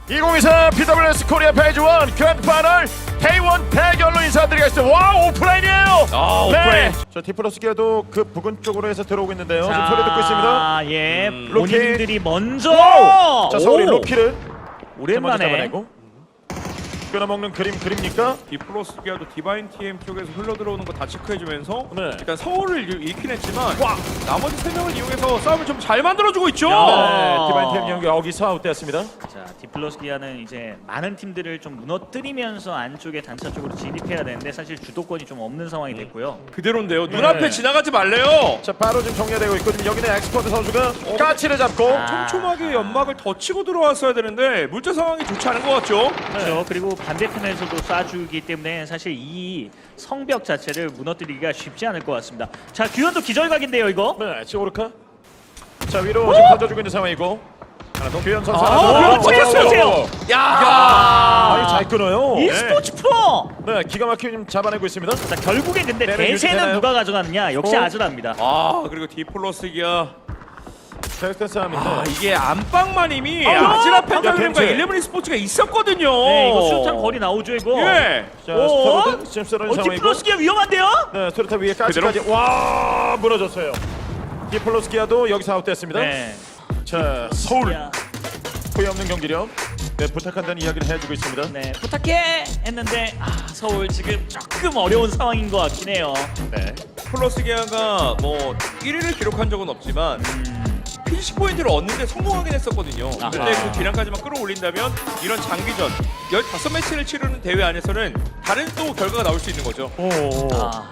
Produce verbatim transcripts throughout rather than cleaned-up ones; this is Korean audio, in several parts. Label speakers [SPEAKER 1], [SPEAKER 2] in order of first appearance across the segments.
[SPEAKER 1] 이천이십사 피더블유에스 코리아 페이지 일 그랜드 파이널 데이원 대결로 인사드리겠습니다. 와, 오프라인이에요.
[SPEAKER 2] 아, 오프라인.
[SPEAKER 1] 저 디플러스 기아도 그 부근 쪽으로 해서 들어오고 있는데요. 지금 소리 듣고 있습니다.
[SPEAKER 3] 아, 예.
[SPEAKER 2] 음,
[SPEAKER 3] 본인들이 먼저.
[SPEAKER 1] 와우! 자, 서울이
[SPEAKER 3] 오!
[SPEAKER 1] 로키를
[SPEAKER 3] 오랜만에.
[SPEAKER 1] 잡아내고 끊어먹는 그림 그립니까?
[SPEAKER 2] 디플러스 기아도 디바인 티엠 쪽에서 흘러 들어오는 거 다 체크해주면서
[SPEAKER 1] 네.
[SPEAKER 2] 일단 서울을 잃긴 했지만 와 나머지 세 명을 이용해서 싸움을 좀 잘 만들어주고 있죠.
[SPEAKER 3] 야.
[SPEAKER 1] 네, 디바인 팀 경기 여기서 아웃되었습니다.
[SPEAKER 3] 자, 디플러스 기아는 이제 많은 팀들을 좀 무너뜨리면서 안쪽에 단차 쪽으로 진입해야 되는데 사실 주도권이 좀 없는 상황이 됐고요.
[SPEAKER 2] 그대로인데요.
[SPEAKER 1] 네.
[SPEAKER 2] 눈앞에 지나가지 말래요.
[SPEAKER 1] 자, 바로 지금 정리되고 있고 지금 여기는 엑스퍼트 선수가 까치를 잡고
[SPEAKER 3] 아.
[SPEAKER 2] 촘촘하게 연막을 더 치고 들어왔어야 되는데 물자 상황이 좋지 않은 것 같죠.
[SPEAKER 3] 그렇죠. 그리고 반대편에서도 쏴주기 때문에 사실 이 성벽 자체를 무너뜨리기가 쉽지 않을 것 같습니다. 자, 규현도 기절각인데요, 이거.
[SPEAKER 1] 네, 지금 오르카. 자, 위로 지금 던져주고 있는 상황이고 하나 더 규현 선수
[SPEAKER 2] 아,
[SPEAKER 1] 하나 더.
[SPEAKER 3] 그렇죠.
[SPEAKER 1] 오, 오, 오, 오.
[SPEAKER 3] 보세요.
[SPEAKER 2] 야.
[SPEAKER 1] 아, 이거 잘 끊어요.
[SPEAKER 3] e스포츠 프로.
[SPEAKER 1] 네, 기가 막히게 좀 잡아내고 있습니다.
[SPEAKER 3] 자, 결국에 근데
[SPEAKER 1] 네네,
[SPEAKER 3] 대세는
[SPEAKER 1] 유지되나요?
[SPEAKER 3] 누가 가져가느냐? 역시
[SPEAKER 1] 어?
[SPEAKER 3] 아즈라입니다.
[SPEAKER 2] 아 그리고 디플러스 기아
[SPEAKER 1] 데스크 싸움인데.
[SPEAKER 2] 아 이게 안방만임이
[SPEAKER 3] 아,
[SPEAKER 2] 아지라
[SPEAKER 3] 방금
[SPEAKER 2] 펜타그램과
[SPEAKER 1] 겐지.
[SPEAKER 2] 일레븐 스포츠가 있었거든요.
[SPEAKER 3] 네, 이거 수류탄 거리 나오죠, 이거.
[SPEAKER 2] 예.
[SPEAKER 1] 자,
[SPEAKER 3] 오.
[SPEAKER 1] 스토로드 지금 쓰러진
[SPEAKER 3] 어,
[SPEAKER 1] 상황이고.
[SPEAKER 3] 디플러스 기아 위험한데요?
[SPEAKER 1] 네, 스토리타 위에 까지까지. 와, 무너졌어요. 디플러스 기아도 여기서 아웃됐습니다.
[SPEAKER 3] 네.
[SPEAKER 1] 자, 서울
[SPEAKER 3] 기아.
[SPEAKER 1] 후회 없는 경기력. 네, 부탁한다는 이야기를 해주고 있습니다.
[SPEAKER 3] 네, 부탁해 했는데 아, 서울 지금 조금 어려운 상황인 것 같긴 해요.
[SPEAKER 1] 네.
[SPEAKER 2] 플러스 기아가 뭐 일 위를 기록한 적은 없지만
[SPEAKER 3] 음,
[SPEAKER 2] 피니시 포인트를 얻는데 성공하긴 했었거든요.
[SPEAKER 3] 아하.
[SPEAKER 2] 근데 그 기량까지만 끌어올린다면 이런 장기전 십오 매치를 치르는 대회 안에서는 다른 또 결과가 나올 수 있는 거죠.
[SPEAKER 1] 오.
[SPEAKER 3] 아,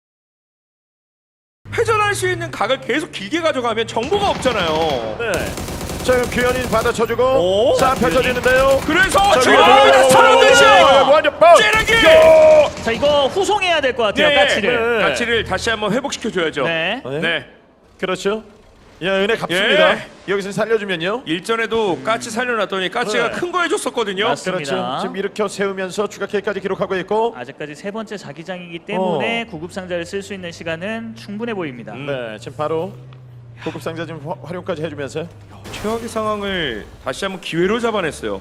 [SPEAKER 2] 회전할 수 있는 각을 계속 길게 가져가면 정보가 없잖아요.
[SPEAKER 1] 네. 자, 그럼 규현이 받아쳐주고
[SPEAKER 2] 오.
[SPEAKER 1] 싸움 펼쳐지는데요.
[SPEAKER 2] 그래서
[SPEAKER 1] 자,
[SPEAKER 2] 지금
[SPEAKER 1] 위에 들어가고
[SPEAKER 2] 서른듯이
[SPEAKER 1] 완전 뻥!
[SPEAKER 2] 찌르기!
[SPEAKER 3] 자, 이거 후송해야 될 것 같아요,
[SPEAKER 2] 예,
[SPEAKER 3] 까치를.
[SPEAKER 1] 네.
[SPEAKER 2] 가치를 다시 한번 회복시켜줘야죠.
[SPEAKER 3] 네.
[SPEAKER 1] 네.
[SPEAKER 2] 네.
[SPEAKER 1] 그렇죠. 야, 은혜 갚습니다.
[SPEAKER 2] 예.
[SPEAKER 1] 여기서 살려주면요.
[SPEAKER 2] 일전에도 까치 살려놨더니 까치가
[SPEAKER 1] 네.
[SPEAKER 2] 큰 거 해줬었거든요.
[SPEAKER 3] 맞습니다.
[SPEAKER 1] 그렇죠. 지금 일으켜 세우면서 추가 K까지 기록하고 있고.
[SPEAKER 3] 아직까지 세 번째 자기장이기 때문에 구급 상자를 쓸 수 있는 시간은 충분해 보입니다.
[SPEAKER 2] 음.
[SPEAKER 1] 네, 지금 바로 고급 상자 지금 화- 활용까지 해주면서.
[SPEAKER 2] 최악의 상황을 다시 한번 기회로 잡아냈어요.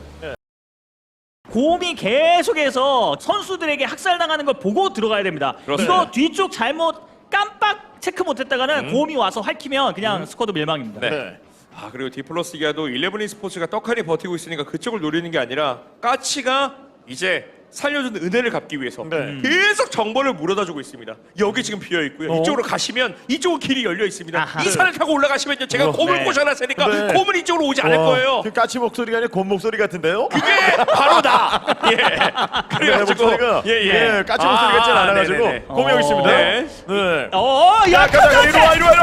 [SPEAKER 3] 곰이 계속해서 선수들에게 학살당하는 걸 보고 들어가야 됩니다.
[SPEAKER 2] 그렇습니다.
[SPEAKER 3] 이거 뒤쪽 잘못 깜빡 체크 못했다가는
[SPEAKER 2] 음.
[SPEAKER 3] 곰이 와서 핥히면 그냥 스쿼드 멸망입니다.
[SPEAKER 2] 네.
[SPEAKER 1] 네.
[SPEAKER 2] 아 그리고 디플러스 기아도 일레븐 스포츠가 떡하니 버티고 있으니까 그쪽을 노리는 게 아니라 까치가 이제 살려준 은혜를 갚기 위해서
[SPEAKER 1] 네.
[SPEAKER 2] 계속 정보를 물어다주고 있습니다. 여기 지금 비어 있고요.
[SPEAKER 1] 어?
[SPEAKER 2] 이쪽으로 가시면 이쪽은 길이 열려 있습니다.
[SPEAKER 3] 아하.
[SPEAKER 2] 이 산을 타고 올라가시면요. 제가
[SPEAKER 1] 어.
[SPEAKER 2] 곰을
[SPEAKER 3] 네.
[SPEAKER 2] 꼬셔놨으니까
[SPEAKER 1] 네.
[SPEAKER 2] 곰은 이쪽으로 오지 않을
[SPEAKER 1] 와,
[SPEAKER 2] 거예요.
[SPEAKER 1] 그 까치 목소리가 아니라 곰 목소리 같은데요?
[SPEAKER 2] 그게 바로 나. 예.
[SPEAKER 1] 네,
[SPEAKER 2] 그래가지고
[SPEAKER 1] 목소리가
[SPEAKER 2] 예, 예.
[SPEAKER 1] 예, 까치 목소리 같진
[SPEAKER 2] 아,
[SPEAKER 1] 않아가지고
[SPEAKER 2] 네네네.
[SPEAKER 1] 곰이 여기
[SPEAKER 3] 어.
[SPEAKER 1] 있습니다.
[SPEAKER 2] 네.
[SPEAKER 1] 네.
[SPEAKER 3] 어,
[SPEAKER 1] 야,
[SPEAKER 3] 야,
[SPEAKER 1] 가자,
[SPEAKER 3] 가자,
[SPEAKER 1] 이리 와, 이리 와, 이리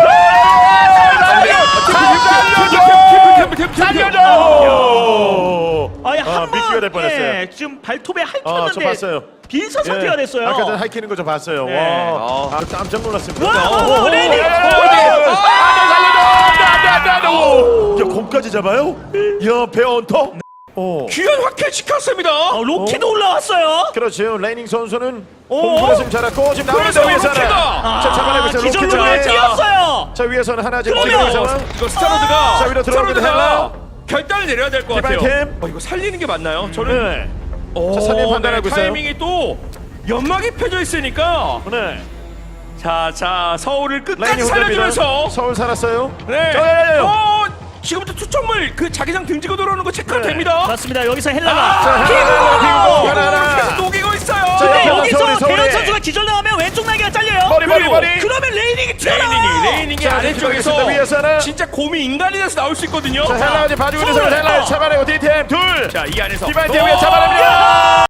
[SPEAKER 1] 와! 살려줘!
[SPEAKER 3] 아니
[SPEAKER 1] 아,
[SPEAKER 3] 한
[SPEAKER 1] 미끼가 될
[SPEAKER 3] 번,
[SPEAKER 1] 뻔했어요.
[SPEAKER 3] 예, 지금 발톱에
[SPEAKER 1] 아, 저
[SPEAKER 3] 핥혔는데
[SPEAKER 1] 봤어요.
[SPEAKER 3] 빈선 상태가 됐어요.
[SPEAKER 1] 아까 전에 하이키는 거 저 봤어요.
[SPEAKER 3] 네.
[SPEAKER 1] 와, 아, 깜짝 놀랐습니다.
[SPEAKER 3] 와, 와,
[SPEAKER 1] 오,
[SPEAKER 3] 와, 레이디!
[SPEAKER 1] 오,
[SPEAKER 3] 어,
[SPEAKER 1] 오, 오, 야, 곰까지 잡아요? 야, 베어 헌터? 오.
[SPEAKER 2] 귀한 확해 시켰습니다.
[SPEAKER 3] 어, 로키도 올라왔어요.
[SPEAKER 1] 그렇죠. 레이닝 선수는
[SPEAKER 3] 오.
[SPEAKER 1] 공부를 좀 잘했고 지금
[SPEAKER 2] 그래서
[SPEAKER 1] 나오면서 위에서
[SPEAKER 2] 로키가!
[SPEAKER 1] 하나. 자, 잡아내고 있어요. 로키
[SPEAKER 3] 기절로
[SPEAKER 1] 장에.
[SPEAKER 3] 뛰었어요.
[SPEAKER 1] 자, 위에서는 하나 지금
[SPEAKER 3] 그러면-
[SPEAKER 1] 지금 상황.
[SPEAKER 2] 이거 스타로드가
[SPEAKER 1] 자, 위로 들어가기도
[SPEAKER 2] 스타로드가 결단을 내려야 될 것 같아요.
[SPEAKER 1] 디바인 팀.
[SPEAKER 2] 어, 이거 살리는 게 맞나요? 저는
[SPEAKER 1] 네.
[SPEAKER 2] 오,
[SPEAKER 1] 자, 살림 판단하고
[SPEAKER 2] 네,
[SPEAKER 1] 있어요.
[SPEAKER 2] 타이밍이 또 연막이 펴져 있으니까
[SPEAKER 1] 네.
[SPEAKER 2] 자, 자 서울을 끝까지
[SPEAKER 1] 라인이
[SPEAKER 2] 살려주면서
[SPEAKER 1] 혼자입니다. 서울 살았어요.
[SPEAKER 2] 네.
[SPEAKER 1] 저, 예, 예.
[SPEAKER 2] 어, 지금부터 투척물 그 자기장 등지고 들어오는 거 체크가
[SPEAKER 1] 네.
[SPEAKER 2] 됩니다.
[SPEAKER 3] 맞습니다. 여기서
[SPEAKER 2] 아,
[SPEAKER 3] 헬라가
[SPEAKER 1] 피고!
[SPEAKER 2] 피고!
[SPEAKER 1] 하나, 하나.
[SPEAKER 2] 계속 녹이고 있어요.
[SPEAKER 1] 자,
[SPEAKER 3] 근데
[SPEAKER 1] 옆에
[SPEAKER 3] 여기서
[SPEAKER 1] 서울이, 서울이.
[SPEAKER 3] 대현 선수가 기절당하면 왼쪽 날개가 잘려요.
[SPEAKER 1] 머리, 머리,
[SPEAKER 2] 그리고
[SPEAKER 1] 머리.
[SPEAKER 3] 그러면 레이닝이 튀어나와요.
[SPEAKER 2] 레이닝이 레이닝이
[SPEAKER 1] 자,
[SPEAKER 2] 아래쪽에서
[SPEAKER 1] 들어가겠습니다. 위에서는.
[SPEAKER 2] 진짜 곰이 인간이 돼서 나올 수 있거든요.
[SPEAKER 1] 자, 헬라가 지금 봐주고 있는
[SPEAKER 3] 서울.
[SPEAKER 1] 헬라
[SPEAKER 3] 어.
[SPEAKER 1] 잡아내고 디템 둘.
[SPEAKER 2] 자, 이 안에서
[SPEAKER 1] 디바인
[SPEAKER 2] 어!
[SPEAKER 1] 팀 위에 잡아냅니다.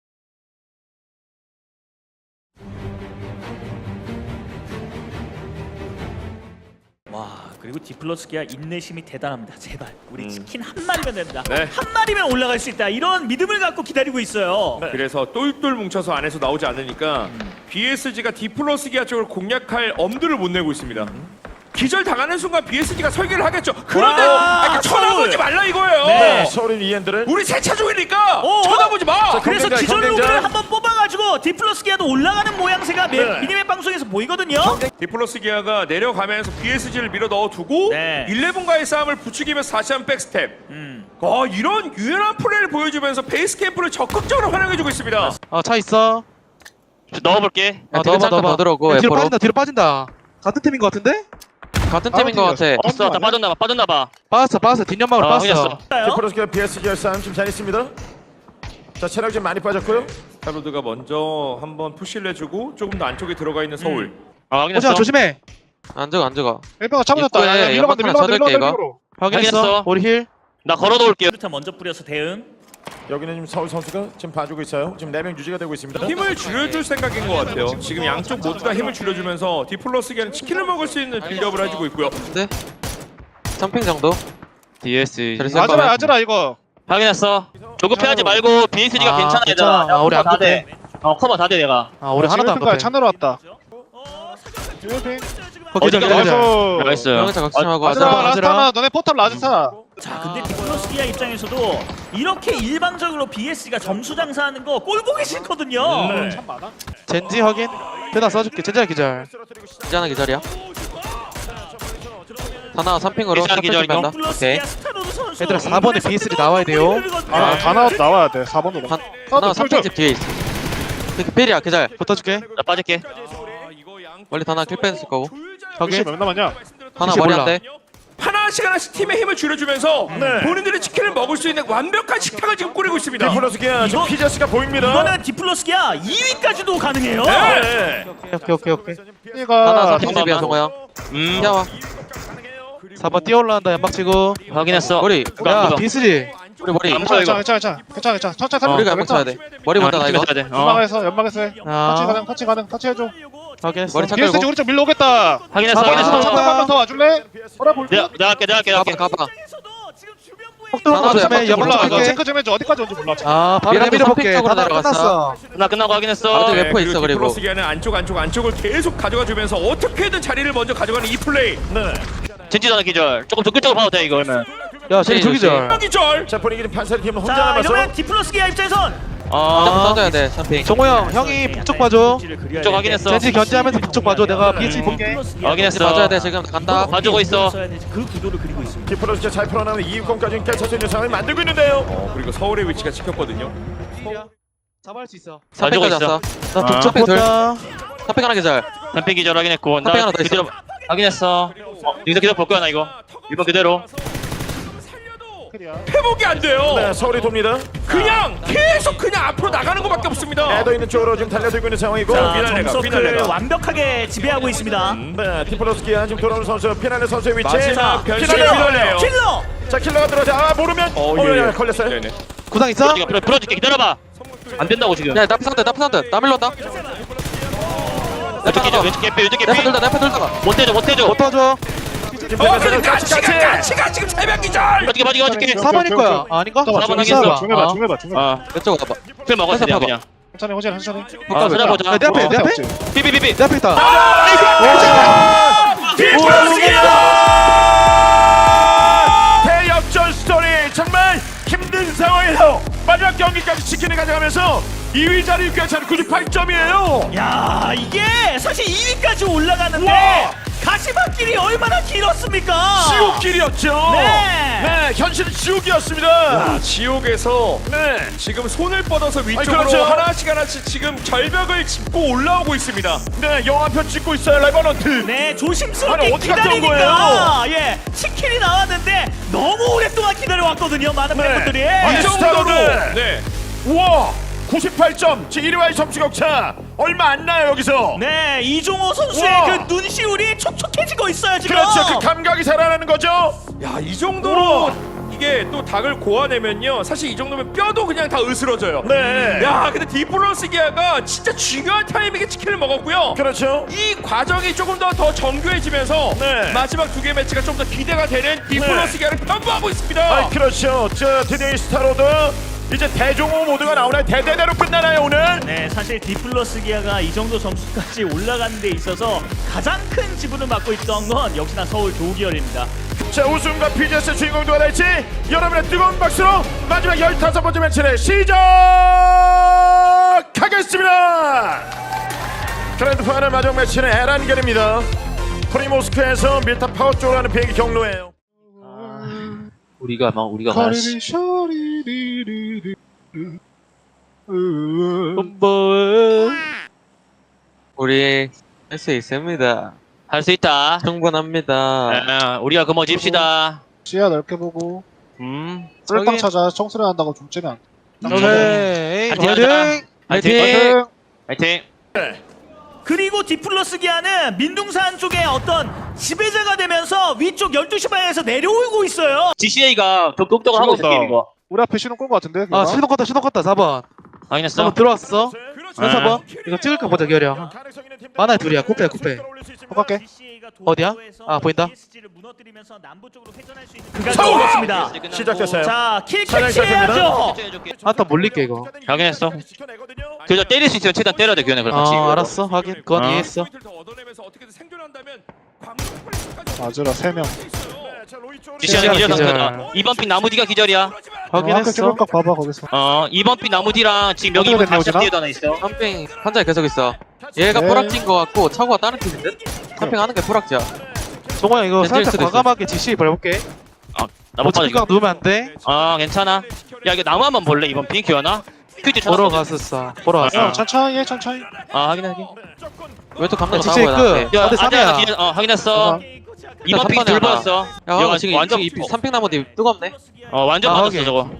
[SPEAKER 3] 와, 그리고 디플러스 기아 인내심이 대단합니다. 제발 우리 치킨 한 마리면 된다.
[SPEAKER 2] 네.
[SPEAKER 3] 한 마리면 올라갈 수 있다. 이런 믿음을 갖고 기다리고 있어요.
[SPEAKER 1] 네.
[SPEAKER 2] 그래서 똘똘 뭉쳐서 안에서 나오지 않으니까 비에스지가 디플러스 기아 쪽을 공략할 엄두를 못 내고 있습니다. 기절 당하는 순간 비에스지가 설계를 하겠죠. 그런데
[SPEAKER 3] 와,
[SPEAKER 2] 아, 쳐다보지
[SPEAKER 3] 서울.
[SPEAKER 2] 말라 이거예요.
[SPEAKER 3] 네.
[SPEAKER 1] 서울인 이엔들은
[SPEAKER 2] 우리 세차 중이니까
[SPEAKER 3] 어?
[SPEAKER 2] 쳐다보지 마.
[SPEAKER 1] 자,
[SPEAKER 3] 그래서
[SPEAKER 1] 경쟁자,
[SPEAKER 3] 기절
[SPEAKER 1] 경쟁자.
[SPEAKER 3] 로그를 한번 뽑아가지고 디플러스 기아도 올라가는 모양새가 미-
[SPEAKER 1] 네.
[SPEAKER 3] 미니맵 방송에서 보이거든요.
[SPEAKER 2] 디플러스 기아가 내려가면서 비에스지를 밀어 넣어두고
[SPEAKER 3] 네.
[SPEAKER 2] 일레븐과의 싸움을 부추기면서 다시 한번 백스텝.
[SPEAKER 3] 음.
[SPEAKER 2] 어, 이런 유연한 플레이를 보여주면서 베이스 캠프를 적극적으로 활용해주고 있습니다.
[SPEAKER 4] 어, 차 있어.
[SPEAKER 5] 넣어볼게.
[SPEAKER 4] 어,
[SPEAKER 6] 되게 잠깐 더 들어오고
[SPEAKER 4] 야, 뒤로
[SPEAKER 6] F로
[SPEAKER 4] 빠진다. 뒤로 빠진다. 같은 팀인 것 같은데?
[SPEAKER 6] 같은 팀인 것 같아.
[SPEAKER 5] 있어. 다 빠졌나봐. 빠졌나봐.
[SPEAKER 4] 빠졌어, 빠졌어. 뒷연막으로
[SPEAKER 5] 어,
[SPEAKER 4] 빠졌어.
[SPEAKER 5] 확인했어.
[SPEAKER 1] 디플러스기와 비에스지가 싸움 지금 잘 있습니다. 자, 체력 좀 많이 빠졌고요.
[SPEAKER 2] 스타로드가 먼저 한번 푸시를 해주고 조금 더 안쪽에 들어가 있는 서울.
[SPEAKER 5] 아, 확인했어.
[SPEAKER 4] 호진아 조심해.
[SPEAKER 6] 안 죽어 안 죽어.
[SPEAKER 7] 일병아 차버렸다.
[SPEAKER 6] 입구에
[SPEAKER 7] 야, 밀어간다,
[SPEAKER 6] 연막 하나
[SPEAKER 7] 밀어간다,
[SPEAKER 6] 쳐둘게,
[SPEAKER 7] 밀어간다,
[SPEAKER 6] 이거.
[SPEAKER 7] 밀어로.
[SPEAKER 4] 확인했어.
[SPEAKER 5] 확인했어.
[SPEAKER 4] 우리 힐.
[SPEAKER 5] 나 걸어놓을게요.
[SPEAKER 3] 수류탄 먼저 뿌려서 대응.
[SPEAKER 1] 여기는 지금 서울 선수가 지금 봐주고 있어요. 지금 네 명 유지가 되고 있습니다.
[SPEAKER 2] 힘을 줄여줄 생각인 것 같아요. 지금 양쪽 모두 다 힘을 줄여주면서 디플러스기는 치킨을 먹을 수 있는 빌드업을 해주고 있고요.
[SPEAKER 6] 근데 삼핑 정도.
[SPEAKER 5] 디에스.
[SPEAKER 6] 잘 쓸
[SPEAKER 7] 아즈라,
[SPEAKER 6] 거면.
[SPEAKER 7] 아즈라 이거.
[SPEAKER 5] 확인했어. 조급해하지 말고 비에스지가
[SPEAKER 4] 아,
[SPEAKER 5] 괜찮아
[SPEAKER 4] 괜찮아.
[SPEAKER 5] 얘들아.
[SPEAKER 4] 아, 우리 안
[SPEAKER 5] 다 돼.
[SPEAKER 4] 급해.
[SPEAKER 5] 어 커버 다 돼 내가.
[SPEAKER 4] 아, 우리 하나도 안
[SPEAKER 7] 지금
[SPEAKER 4] 급해.
[SPEAKER 7] 차 내려왔다.
[SPEAKER 3] 어,
[SPEAKER 7] 지금
[SPEAKER 4] 거기
[SPEAKER 5] 어디가
[SPEAKER 4] 저기
[SPEAKER 7] 나이스.
[SPEAKER 5] 나이스.
[SPEAKER 6] 영차 각심하고
[SPEAKER 7] 아즈라,
[SPEAKER 6] 하자.
[SPEAKER 4] 아즈라.
[SPEAKER 7] 라스타나 너네 포탑 라스타.
[SPEAKER 3] 자, 근데 디플러스기아 입장에서도 이렇게 일방적으로 비에스가 점수 장사하는 거 꼴 보기 싫거든요.
[SPEAKER 1] 네.
[SPEAKER 7] 참 많아.
[SPEAKER 4] 젠지 확인. 대다 써줄게. 젠지야 기절.
[SPEAKER 6] 기자나 기절이야. 하나 삼핑으로
[SPEAKER 5] 기자, 기자,
[SPEAKER 6] 삼핑 뺀다. 오케이.
[SPEAKER 3] 디플러스기아 스타로드 선수.
[SPEAKER 4] 얘들아, 사 번에 비에스디 나와야 돼요.
[SPEAKER 7] 아, 다 나와, 나와야 돼. 사 번으로.
[SPEAKER 6] 한 하나 삼핑집 뒤에 있어. 그 필이야 기절.
[SPEAKER 4] 붙어줄게.
[SPEAKER 5] 나 빠질게.
[SPEAKER 6] 원래 하나 킬 뺐을 거고.
[SPEAKER 4] 확인.
[SPEAKER 7] 몇 남았냐?
[SPEAKER 6] 하나
[SPEAKER 4] 혹시
[SPEAKER 6] 머리
[SPEAKER 4] 몰라.
[SPEAKER 6] 안 돼.
[SPEAKER 2] 하나씩 하나씩 팀의 힘을 줄여주면서
[SPEAKER 1] 네.
[SPEAKER 2] 본인들의 치킨을 먹을 수 있는 완벽한 식탁을 지금 꾸리고 있습니다.
[SPEAKER 1] 디플러스기가 지금
[SPEAKER 3] 이거-
[SPEAKER 1] 피제스가 보입니다.
[SPEAKER 3] 이거는 디플러스기아 이 위까지도 가능해요.
[SPEAKER 1] 네.
[SPEAKER 4] 오케이, 오케이, 오케이.
[SPEAKER 6] 하나
[SPEAKER 7] 얘가
[SPEAKER 6] 삼핑집이야
[SPEAKER 5] 잠깐만.
[SPEAKER 6] 동호 형.
[SPEAKER 5] 음.
[SPEAKER 6] 야와.
[SPEAKER 4] 사 번 뛰어 올라간다. 연막 치고.
[SPEAKER 5] 확인했어.
[SPEAKER 6] 머리.
[SPEAKER 4] 야, 비에스디.
[SPEAKER 6] 우리 머리.
[SPEAKER 5] 안
[SPEAKER 7] 괜찮아,
[SPEAKER 5] 이거.
[SPEAKER 7] 괜찮아, 괜찮아, 괜찮아, 괜찮아. 천천히 살려.
[SPEAKER 6] 우리가 연막 쳐야 돼. 머리 본다 나 이거.
[SPEAKER 5] 돼. 어.
[SPEAKER 7] 연막에서, 연막에서 해. 터치
[SPEAKER 4] 아,
[SPEAKER 7] 가능, 터치 가능, 터치 해줘.
[SPEAKER 4] 확인했어.
[SPEAKER 6] 머리 착
[SPEAKER 7] 비에스지
[SPEAKER 6] 끌고.
[SPEAKER 7] 우리 쪽 밀러 오겠다.
[SPEAKER 5] 확인했어.
[SPEAKER 4] 아,
[SPEAKER 7] 확인했어.
[SPEAKER 5] 확인했어.
[SPEAKER 7] 잠깐 한번 더 와줄래? 뭐라 볼게.
[SPEAKER 5] 내가 내가 할게. 내가 할게. 내가
[SPEAKER 6] 가봐
[SPEAKER 5] 할게.
[SPEAKER 6] 가봐.
[SPEAKER 4] 폭 들어온 거
[SPEAKER 6] 하나도
[SPEAKER 4] 조심해.
[SPEAKER 6] 연막
[SPEAKER 4] 연막
[SPEAKER 7] 몰라, 이거
[SPEAKER 4] 쳐줄게.
[SPEAKER 7] 체크 좀 해줘. 어디까지 온지 몰라.
[SPEAKER 4] 아, 바로
[SPEAKER 6] 미라도
[SPEAKER 4] 내밀어볼게.
[SPEAKER 6] 삼핑 쪽으로
[SPEAKER 4] 다
[SPEAKER 6] 내려갔어.
[SPEAKER 4] 끝났어.
[SPEAKER 5] 나 끝나고 확인했어.
[SPEAKER 6] 바로
[SPEAKER 2] 네,
[SPEAKER 6] 웨퍼 있어, 그리고.
[SPEAKER 2] 디플러스기는 안쪽 안쪽 안쪽을 계속 가져가 주면서 어떻게든 자리를 먼저 가져가는 이 플레이.
[SPEAKER 1] 네.
[SPEAKER 5] 젠지전화 기절. 조금 적극적으로 봐도 돼 이거 그러면.
[SPEAKER 4] 야, 쟤
[SPEAKER 6] 조심,
[SPEAKER 4] 저기절.
[SPEAKER 2] 기절.
[SPEAKER 1] 자, 분위기는 판사리 팀은 혼자
[SPEAKER 3] 자,
[SPEAKER 1] 남아서
[SPEAKER 3] 이러면 디플러스기아 입장에선
[SPEAKER 5] 아.
[SPEAKER 6] 던져야 돼 삼핑.
[SPEAKER 4] 정호 형, 형이 북쪽 봐줘.
[SPEAKER 5] 북쪽 확인했어.
[SPEAKER 4] 젠지 견제하면서 북쪽 봐줘. 내가 비에스디 볼게.
[SPEAKER 5] 확인했어.
[SPEAKER 6] 봐줘야 돼 지금 간다.
[SPEAKER 5] 봐주고 있어.
[SPEAKER 3] 그 구도를 그리고 있습니다.
[SPEAKER 1] 디플러스기가 잘 풀어나가는 이 위권까지 깨칠 수 있는 상황을 만들고 있는데요.
[SPEAKER 2] 어, 그리고 서울의 위치가 찍혔거든요.
[SPEAKER 4] 잡아할 수 있어.
[SPEAKER 6] 삼핑까지
[SPEAKER 5] 가지고
[SPEAKER 6] 왔어.
[SPEAKER 4] 나
[SPEAKER 5] 아.
[SPEAKER 4] 북쪽
[SPEAKER 6] 삼핑 둘.
[SPEAKER 4] 본다.
[SPEAKER 6] 삼핑 하나 기절.
[SPEAKER 5] 삼핑 기절 확인했고. 나
[SPEAKER 6] 삼핑 하나 더 있어.
[SPEAKER 5] 그대로 확인했어. 어, 여기서 기다려 볼 거야 나 이거. 일번 그대로.
[SPEAKER 2] 회복이 안 돼요.
[SPEAKER 1] 네, 서울이 돕니다.
[SPEAKER 2] 그냥 계속 그냥 앞으로 나가는 것밖에 없습니다.
[SPEAKER 1] 애도 있는 쪽으로 지금 달려들고 있는 상황이고.
[SPEAKER 3] 자,
[SPEAKER 2] 피날레가,
[SPEAKER 3] 점서클
[SPEAKER 2] 피날레가.
[SPEAKER 3] 완벽하게 지배하고 있습니다.
[SPEAKER 1] 네, 디플러스기가 지금 돌아오는 선수 피날레 선수의 위치.
[SPEAKER 2] 마지막 변신
[SPEAKER 1] 피날레.
[SPEAKER 2] 피날레요.
[SPEAKER 3] 킬러!
[SPEAKER 1] 자, 킬러가 들어오자. 아, 모르면.
[SPEAKER 2] 어,
[SPEAKER 1] 어,
[SPEAKER 2] 예,
[SPEAKER 1] 예,
[SPEAKER 2] 예.
[SPEAKER 1] 걸렸어요.
[SPEAKER 2] 네네.
[SPEAKER 4] 구상 있어?
[SPEAKER 5] 풀어줄게 풀어- 풀어줄게 기다려봐. 안 된다고 지금.
[SPEAKER 6] 야 나프 산드 나프 산드. 나 밀렀다.
[SPEAKER 5] 왼쪽 기절 왼쪽 개피 왼쪽 개피.
[SPEAKER 6] 나프 들다 나프 들다가.
[SPEAKER 5] 못해줘 못해줘.
[SPEAKER 4] 못 도와줘.
[SPEAKER 1] 지금
[SPEAKER 2] 어,
[SPEAKER 1] 대면서
[SPEAKER 2] 근데
[SPEAKER 1] 같이
[SPEAKER 2] 같이가
[SPEAKER 1] 같이.
[SPEAKER 2] 같이가 지금 새벽 기절.
[SPEAKER 5] 봐줄게 봐줄게 봐줄게.
[SPEAKER 4] 사 번일 거야. 아, 아닌가?
[SPEAKER 7] 잠깐만,
[SPEAKER 5] 사번
[SPEAKER 7] 중해봐,
[SPEAKER 5] 하겠어.
[SPEAKER 7] 중해봐,
[SPEAKER 4] 아.
[SPEAKER 7] 중해봐, 중해봐.
[SPEAKER 5] 아,
[SPEAKER 6] 이쪽 와봐.
[SPEAKER 5] 풀 먹었어 그냥 그냥.
[SPEAKER 7] 천천히, 호진, 천천히.
[SPEAKER 5] 아, 찾아보자.
[SPEAKER 4] 야, 내 앞에, 내 앞에?
[SPEAKER 5] 삐삐삐삐.
[SPEAKER 4] 내 앞에 있다.
[SPEAKER 1] 디플러스기가 대역전 스토리 정말 힘든 상황에서 마지막 경기까지 치킨을 가져가면서 이 위 자리 괜찮은 구십팔 점이에요.
[SPEAKER 3] 야, 이게 사실 이 위까지 올라가는데
[SPEAKER 1] 와!
[SPEAKER 3] 가시밭길이 얼마나 길었습니까?
[SPEAKER 1] 지옥길이었죠.
[SPEAKER 3] 네.
[SPEAKER 1] 네, 현실은 지옥이었습니다.
[SPEAKER 2] 아, 지옥에서
[SPEAKER 1] 네.
[SPEAKER 2] 지금 손을 뻗어서 위쪽으로
[SPEAKER 1] 그렇죠.
[SPEAKER 2] 하나씩 하나씩 지금 절벽을 짚고 올라오고 있습니다.
[SPEAKER 1] 네, 영화편 찍고 있어요, 레버넌트.
[SPEAKER 3] 네, 조심스럽게
[SPEAKER 1] 아니, 어디 갔다 온
[SPEAKER 3] 기다리니까 예, 치킨이 나왔는데 너무 오랫동안 기다려왔거든요, 많은
[SPEAKER 1] 네.
[SPEAKER 3] 팬분들이.
[SPEAKER 1] 이
[SPEAKER 2] 이 정도로
[SPEAKER 1] 스타로드.
[SPEAKER 2] 네.
[SPEAKER 1] 우와, 구십팔 점. 제 일 위와의 점수 격차 얼마 안 나요, 여기서.
[SPEAKER 3] 네, 이종호 선수의
[SPEAKER 1] 우와.
[SPEAKER 3] 그 눈시울이 촉촉해지고 있어요 지금.
[SPEAKER 1] 그렇죠, 그 감각이 살아나는 거죠.
[SPEAKER 2] 야, 이 정도로 이게 또 닭을 고아내면요. 사실 이 정도면 뼈도 그냥 다 으스러져요.
[SPEAKER 1] 네.
[SPEAKER 2] 야, 근데 디플러스 기아가 진짜 중요한 타이밍에 치킨을 먹었고요.
[SPEAKER 1] 그렇죠.
[SPEAKER 2] 이 과정이 조금 더 더 정교해지면서
[SPEAKER 1] 네.
[SPEAKER 2] 마지막 두 개 매치가 좀 더 기대가 되는 디플러스 기아를 편부하고 있습니다.
[SPEAKER 1] 아, 그렇죠. 저 드디어 이 스타로드 이제 대종호 모드가 나오나요? 대대대로 끝나나요 오늘?
[SPEAKER 3] 네, 사실 디플러스 기아가 이 정도 점수까지 올라가는 데 있어서 가장 큰 지분을 맡고 있던 건 역시나 서울 도기열입니다.
[SPEAKER 1] 자, 우승과 피지에스 주인공 누가 될지 여러분의 뜨거운 박수로 마지막 열다섯 번째 매치를 시작하겠습니다. 그랜드 파이널 마지막 매치는 에란겔입니다. 프리모스크에서 밀타 파워 쪽으로 가는 비행기 경로예요.
[SPEAKER 5] 우리가 막 우리가 말하시.
[SPEAKER 7] 커리리 셔리리리리
[SPEAKER 4] 홈볼.
[SPEAKER 6] 우리 할 수 있습니다.
[SPEAKER 5] 할 수 있다.
[SPEAKER 6] 충분합니다.
[SPEAKER 5] 아, 우리가 그뭐 집시다.
[SPEAKER 7] 시야 넓게 보고
[SPEAKER 5] 음.
[SPEAKER 7] 쫄딱
[SPEAKER 4] 저기-
[SPEAKER 7] 찾아 청소를 한다고 중점이 안
[SPEAKER 4] 오케이.
[SPEAKER 5] 화이팅,
[SPEAKER 4] 화이팅.
[SPEAKER 5] 화이팅.
[SPEAKER 7] 화이팅!
[SPEAKER 5] 화이팅.
[SPEAKER 3] 그리고 디플러스 기아는 민둥산 쪽에 어떤 지배자가 되면서 위쪽 열두 시 방향에서 내려오고 있어요.
[SPEAKER 5] 지씨에이가 독독독을 하고 있어
[SPEAKER 7] 죽었다.
[SPEAKER 5] 게임 이거.
[SPEAKER 7] 우리 앞에 신호 끈거 같은데?
[SPEAKER 4] 아 신호 껐다 신호 껐다 사 번.
[SPEAKER 5] 확인했어.
[SPEAKER 4] 사 번 들어왔어.
[SPEAKER 1] 그렇죠.
[SPEAKER 4] 현 사 번. 이거 찍을까 보자 기어려. 만화의 둘이야. 쿠페야, 쿠페.
[SPEAKER 7] 똑같게.
[SPEAKER 4] 어디야? 아, 보인다?
[SPEAKER 3] 그가 올렸습니다.
[SPEAKER 1] 시작됐어요.
[SPEAKER 3] 자, 킬
[SPEAKER 1] 사냥
[SPEAKER 3] 캐치해야죠.
[SPEAKER 4] 한타 몰릴게 이거.
[SPEAKER 5] 확인했어. 그저 때릴 수 있으면 최대한 때려야 돼 규현아 그럼 같이.
[SPEAKER 4] 아 알았어 확인. 그건
[SPEAKER 5] 어.
[SPEAKER 4] 이해했어.
[SPEAKER 7] 맞으라 세 명.
[SPEAKER 5] 지씨에이 기절
[SPEAKER 4] 기절.
[SPEAKER 5] 상태다. 이번 핀 나무 뒤가 기절이야.
[SPEAKER 7] 아까
[SPEAKER 4] 확인했어.
[SPEAKER 7] 찍을까 봐봐 거기서.
[SPEAKER 5] 어 이번 핀 나무 뒤랑 지금 여기 이번
[SPEAKER 7] 어떻게 됐냐,
[SPEAKER 5] 다시
[SPEAKER 7] 오진아?
[SPEAKER 5] 뒤에도 하나 있어.
[SPEAKER 6] 삼핑 한자에 계속 있어. 얘가
[SPEAKER 7] 네.
[SPEAKER 6] 포락진 거 같고 차고가 다른 팀인데? 삼핑 하는 게 포락지야.
[SPEAKER 4] 종호야 이거
[SPEAKER 6] 렌즈일
[SPEAKER 4] 살짝
[SPEAKER 6] 수도 있어.
[SPEAKER 4] 과감하게 지시 밟을게.
[SPEAKER 5] 나못 받아
[SPEAKER 4] 오치각
[SPEAKER 5] 이거.
[SPEAKER 4] 누우면 안 돼.
[SPEAKER 5] 아 괜찮아. 야 이거 나무 한번 볼래 이번 핀 규현아? 퀴즈
[SPEAKER 4] 보러
[SPEAKER 5] 찾았어.
[SPEAKER 4] 갔었어. 보러
[SPEAKER 5] 아,
[SPEAKER 4] 갔어.
[SPEAKER 7] 형 천천히 해 천천히.
[SPEAKER 5] 아 확인해 확인.
[SPEAKER 6] 왜 또 감독
[SPEAKER 4] 지시
[SPEAKER 6] 나오고 나한테.
[SPEAKER 4] 끝.
[SPEAKER 5] 야
[SPEAKER 4] 어디
[SPEAKER 5] 아니야
[SPEAKER 4] 삼이야.
[SPEAKER 5] 기절. 어 확인했어.
[SPEAKER 7] 어.
[SPEAKER 5] 이번 핀
[SPEAKER 6] 삼번에
[SPEAKER 5] 둘
[SPEAKER 6] 하나.
[SPEAKER 5] 받았어.
[SPEAKER 6] 야
[SPEAKER 5] 야,
[SPEAKER 6] 지금
[SPEAKER 5] 완전
[SPEAKER 6] 완전 이 삼핑 나무 뒤 뜨겁네.
[SPEAKER 5] 어 완전
[SPEAKER 4] 아,
[SPEAKER 5] 받았어
[SPEAKER 4] 확인.
[SPEAKER 5] 저거.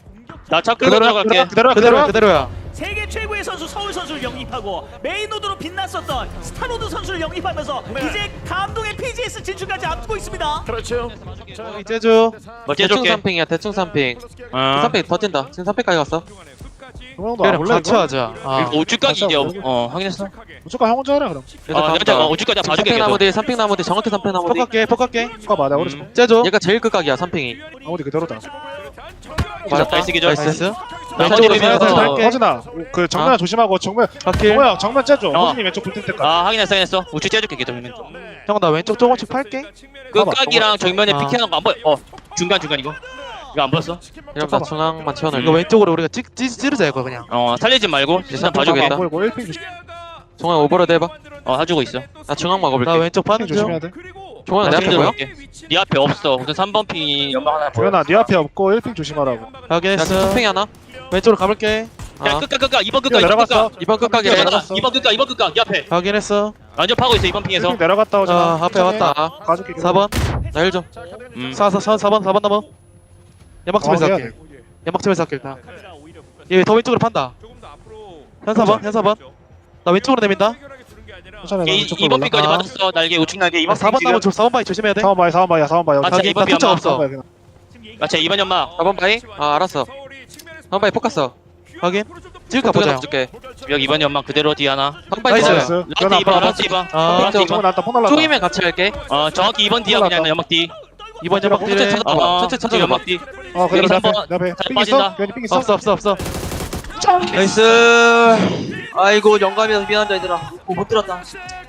[SPEAKER 5] 나차 끌고
[SPEAKER 7] 그대로야
[SPEAKER 5] 들어갈게.
[SPEAKER 7] 그대로야
[SPEAKER 4] 그대로야
[SPEAKER 7] 그대로야.
[SPEAKER 4] 그대로야.
[SPEAKER 3] 세계 최고의 선수 서울 선수를 영입하고 메인로드로 빛났었던 스타로드 선수를 영입하면서 이제 감동의 피지에스 진출까지 앞두고 있습니다.
[SPEAKER 1] 그렇죠.
[SPEAKER 4] 이제주.
[SPEAKER 5] 뭐
[SPEAKER 6] 대충
[SPEAKER 5] 째줄게.
[SPEAKER 6] 삼핑이야 대충 삼핑.
[SPEAKER 5] 어.
[SPEAKER 6] 삼핑 더 뛴다. 지금 삼핑까지 갔어.
[SPEAKER 7] 그 형도 안
[SPEAKER 4] 그냥
[SPEAKER 7] 볼래
[SPEAKER 4] 같이
[SPEAKER 7] 이거?
[SPEAKER 4] 하자. 아.
[SPEAKER 5] 오주까지 이제
[SPEAKER 7] 같이
[SPEAKER 5] 어 확인했어.
[SPEAKER 7] 무조건 형 혼자 해라 그럼.
[SPEAKER 6] 일단
[SPEAKER 5] 어
[SPEAKER 6] 간다.
[SPEAKER 5] 내가 오주까지
[SPEAKER 6] 지금
[SPEAKER 5] 봐줄게
[SPEAKER 6] 삼핑 나무
[SPEAKER 5] 계속.
[SPEAKER 6] 뒤 삼핑 나무 뒤 정확히 삼핑 나무 뒤.
[SPEAKER 4] 폭갈게 폭갈게.
[SPEAKER 7] 누가 맞아 우리
[SPEAKER 5] 음.
[SPEAKER 4] 제주.
[SPEAKER 6] 얘가 제일 끝각이야 삼핑이.
[SPEAKER 7] 아무리 그대로다.
[SPEAKER 6] 맞았다.
[SPEAKER 5] 나이스 기절.
[SPEAKER 4] 나이스.
[SPEAKER 5] 나머지
[SPEAKER 4] 왼쪽으로
[SPEAKER 5] 비비면서
[SPEAKER 4] 비벼서 할게.
[SPEAKER 7] 허진아 그 정면 조심하고 정면.
[SPEAKER 4] 갈게.
[SPEAKER 7] 뭐야 정면 째줘.
[SPEAKER 5] 어.
[SPEAKER 7] 허진이 왼쪽 붙을 때까지.
[SPEAKER 5] 아 확인했어 확인했어. 우측 째줄게 계속 있는 거.
[SPEAKER 4] 형 나 왼쪽 조금씩 팔게.
[SPEAKER 5] 끝각이랑 정면에
[SPEAKER 4] 아.
[SPEAKER 5] 피킹하는 거 안 보여. 어 중간 중간 이거. 이거 안 보였어?
[SPEAKER 6] 이러면 나 중앙만 채워넣을게.
[SPEAKER 4] 이거 왼쪽으로 우리가 찍 찌, 찌르자 이거 그냥.
[SPEAKER 5] 어 살리지 말고 일단
[SPEAKER 6] 잠깐만.
[SPEAKER 5] 봐주겠다.
[SPEAKER 7] 안 보이고 일 핑 조심.
[SPEAKER 6] 종아 오버로드 해봐.
[SPEAKER 5] 어 해주고 있어.
[SPEAKER 6] 나 중앙
[SPEAKER 4] 나
[SPEAKER 6] 막아볼게.
[SPEAKER 4] 왼쪽 파는 중.
[SPEAKER 7] 조심해야 돼.
[SPEAKER 6] 종아 내
[SPEAKER 5] 나
[SPEAKER 6] 앞에
[SPEAKER 5] 지금
[SPEAKER 6] 보여?
[SPEAKER 5] 들어갈게. 네 앞에 없어. 우선 삼 번 핀 연막 하나 보여.
[SPEAKER 7] 도현아 네 앞에 없고 일 핑 조심하라고.
[SPEAKER 6] 야
[SPEAKER 4] 확인했어.
[SPEAKER 6] 지금 삼핑이 하나.
[SPEAKER 4] 왼쪽으로 가볼게.
[SPEAKER 5] 야
[SPEAKER 6] 아.
[SPEAKER 5] 끝각 끝각 이번
[SPEAKER 7] 뛰어
[SPEAKER 5] 끝각 이번
[SPEAKER 7] 내려갔어.
[SPEAKER 5] 끝각.
[SPEAKER 6] 이번 끝각이래.
[SPEAKER 5] 끝각
[SPEAKER 7] 내려갔어.
[SPEAKER 5] 이번 끝각 이번 끝각 이 앞에.
[SPEAKER 4] 확인했어.
[SPEAKER 5] 완전 파고 있어 이번
[SPEAKER 7] 일
[SPEAKER 5] 핑에서.
[SPEAKER 7] 핑 내려갔다
[SPEAKER 4] 아
[SPEAKER 7] 오잖아.
[SPEAKER 4] 앞에 왔다.
[SPEAKER 6] 아.
[SPEAKER 7] 가줄게.
[SPEAKER 4] 사 번.
[SPEAKER 6] 나 일 좀.
[SPEAKER 5] 음.
[SPEAKER 4] 사, 사, 사, 사 번, 사 번 넘어. 연막집에서
[SPEAKER 7] 어, 해야
[SPEAKER 4] 할게. 연막집에서 할게, 일단. 얘 더 왼쪽으로 판다. 현 사 번, 현 사 번. 나 왼쪽으로 내민다.
[SPEAKER 7] 천천히 해.
[SPEAKER 5] 이-
[SPEAKER 7] 왼쪽
[SPEAKER 5] 이번
[SPEAKER 7] 골
[SPEAKER 5] 핀까지
[SPEAKER 4] 아.
[SPEAKER 5] 받았어. 날개 우측 날개
[SPEAKER 4] 아,
[SPEAKER 5] 이번
[SPEAKER 4] 사 번
[SPEAKER 5] 핀
[SPEAKER 4] 남은
[SPEAKER 5] 지금.
[SPEAKER 4] 사 번 바위 조심해야 돼.
[SPEAKER 7] 사번 봐야 사번 봐야 사번 봐야.
[SPEAKER 5] 아,
[SPEAKER 4] 나
[SPEAKER 5] 자, 이번
[SPEAKER 4] 나 투척
[SPEAKER 5] 삐
[SPEAKER 4] 없어.
[SPEAKER 7] 봐야 그냥.
[SPEAKER 5] 마치 이번 연막.
[SPEAKER 6] 사 번 바이? 아 알았어. 사 번 바이 포커스.
[SPEAKER 4] 확인. 찍을까 보자.
[SPEAKER 6] 줄게.
[SPEAKER 5] 여기 이번 연막 그대로 뒤 하나.
[SPEAKER 6] 사 번 바이
[SPEAKER 4] 나이스.
[SPEAKER 6] 있어요.
[SPEAKER 7] 나이스.
[SPEAKER 5] 라스트
[SPEAKER 7] 도현아
[SPEAKER 5] 이번
[SPEAKER 7] 앞으로
[SPEAKER 5] 라스트 이번.
[SPEAKER 4] 아,
[SPEAKER 5] 라스트
[SPEAKER 7] 정면
[SPEAKER 5] 이번.
[SPEAKER 7] 나왔다. 폭 날랐다.
[SPEAKER 6] 쪼이면 같이 할게.
[SPEAKER 5] 어 정확히 이번 뒤야 그냥 연막 뒤.
[SPEAKER 4] 이번 연막
[SPEAKER 6] 천천히
[SPEAKER 4] 딜에.
[SPEAKER 6] 찾아봐.
[SPEAKER 5] 어
[SPEAKER 6] 천천히
[SPEAKER 5] 지금
[SPEAKER 6] 찾아봐.
[SPEAKER 5] 연막 뒤.
[SPEAKER 7] 어 그래
[SPEAKER 5] 여기
[SPEAKER 7] 내
[SPEAKER 5] 삼
[SPEAKER 7] 앞에
[SPEAKER 5] 번.
[SPEAKER 7] 내 앞에
[SPEAKER 5] 잘
[SPEAKER 7] 핑 있어?
[SPEAKER 5] 빠진다.
[SPEAKER 7] 괜히 핑 있어?
[SPEAKER 4] 없어, 없어, 없어.
[SPEAKER 5] 나이스.
[SPEAKER 3] 아이고 영감이라서 미안하다 얘들아. 못 들었다.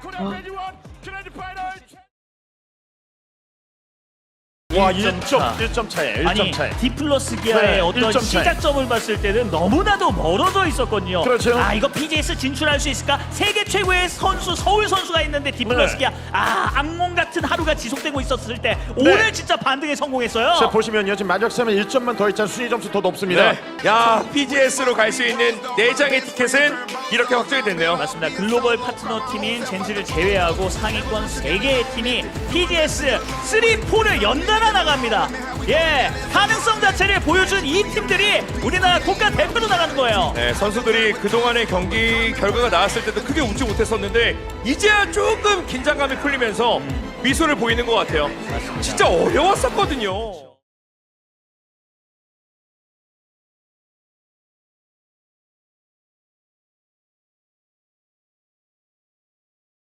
[SPEAKER 1] 와
[SPEAKER 3] 일 점
[SPEAKER 1] 일 점
[SPEAKER 3] 차.
[SPEAKER 1] 일 점 차에 일
[SPEAKER 3] 아니
[SPEAKER 1] 점 차에.
[SPEAKER 3] 디플러스 기아의
[SPEAKER 1] 네,
[SPEAKER 3] 어떤
[SPEAKER 1] 일 점 차이.
[SPEAKER 3] 시작점을 봤을 때는 너무나도 멀어져 있었거든요.
[SPEAKER 1] 그렇죠.
[SPEAKER 3] 아 이거 피지에스 진출할 수 있을까? 세계 최고의 선수 서울 선수가 있는데 디플러스
[SPEAKER 1] 네.
[SPEAKER 3] 기아 아 악몽 같은 하루가 지속되고 있었을 때 오늘 진짜 반등에 성공했어요.
[SPEAKER 1] 자 보시면요 지금 마지막 싸움에 일 점만 더 있잖아. 순위 점수 더 높습니다.
[SPEAKER 2] 네. 야 피지에스로 갈 수 있는 네 장의 티켓은 이렇게 확정이 됐네요.
[SPEAKER 3] 맞습니다. 글로벌 파트너 팀인 젠지를 제외하고 상위권 세 개의 팀이 피지에스 삼, 사를 연달아 나갑니다. 예, 가능성 자체를 보여준 이 팀들이 우리나라 국가 대표로 나가는 거예요.
[SPEAKER 2] 네, 선수들이 그동안의 경기 결과가 나왔을 때도 크게 웃지 못했었는데 이제야 조금 긴장감이 풀리면서 미소를 보이는 것 같아요. 진짜 어려웠었거든요.